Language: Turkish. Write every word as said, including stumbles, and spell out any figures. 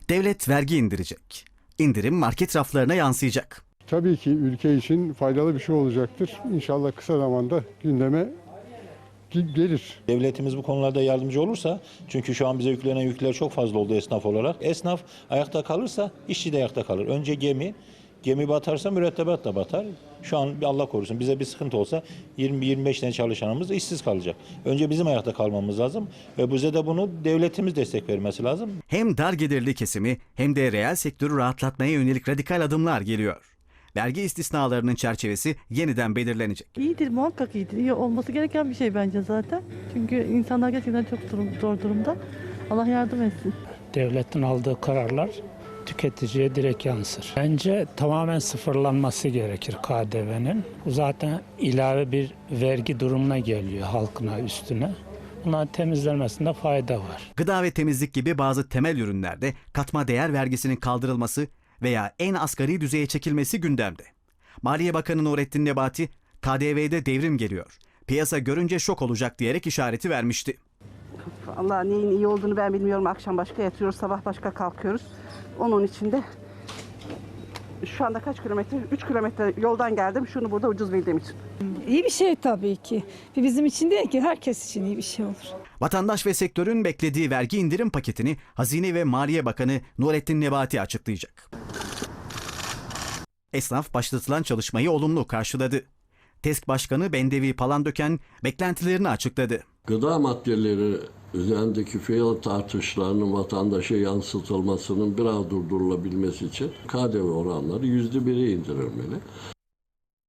Devlet vergi indirecek. İndirim market raflarına yansıyacak. Tabii ki ülke için faydalı bir şey olacaktır. İnşallah kısa zamanda gündeme gelir. Devletimiz bu konularda yardımcı olursa, çünkü şu an bize yüklenen yükler çok fazla oldu esnaf olarak. Esnaf ayakta kalırsa işçi de ayakta kalır. Önce gemi, gemi batarsa mürettebat da batar. Şu an Allah korusun bize bir sıkıntı olsa yirmi yirmi beş tane çalışanımız işsiz kalacak. Önce bizim ayakta kalmamız lazım ve bize de bunu devletimiz destek vermesi lazım. Hem dar gelirli kesimi hem de reel sektörü rahatlatmaya yönelik radikal adımlar geliyor. Vergi istisnalarının çerçevesi yeniden belirlenecek. İyidir, muhakkak iyidir. İyi olması gereken bir şey bence zaten. Çünkü insanlar gerçekten çok durum, zor durumda. Allah yardım etsin. Devletin aldığı kararlar tüketiciye direkt yansır. Bence tamamen sıfırlanması gerekir K D V'nin. Bu zaten ilave bir vergi durumuna geliyor halkına üstüne. Bunların temizlenmesinde fayda var. Gıda ve temizlik gibi bazı temel ürünlerde katma değer vergisinin kaldırılması veya en asgari düzeye çekilmesi gündemde. Maliye Bakanı Nurettin Nebati, K D V'de devrim geliyor, piyasa görünce şok olacak diyerek işareti vermişti. Allah neyin iyi olduğunu ben bilmiyorum. Akşam başka yatıyoruz, sabah başka kalkıyoruz. Onun için de şu anda kaç kilometre? üç kilometre yoldan geldim. Şunu burada ucuz bildiğim için. İyi bir şey tabii ki. Bizim için değil ki, herkes için iyi bir şey olur. Vatandaş ve sektörün beklediği vergi indirim paketini Hazine ve Maliye Bakanı Nurettin Nebati açıklayacak. Esnaf başlatılan çalışmayı olumlu karşıladı. TESK Başkanı Bendevi Palandöken beklentilerini açıkladı. Gıda maddeleri üzerindeki fiyat artışlarının vatandaşa yansıtılmasının biraz durdurulabilmesi için K D V oranları yüzde bire indirilmeli.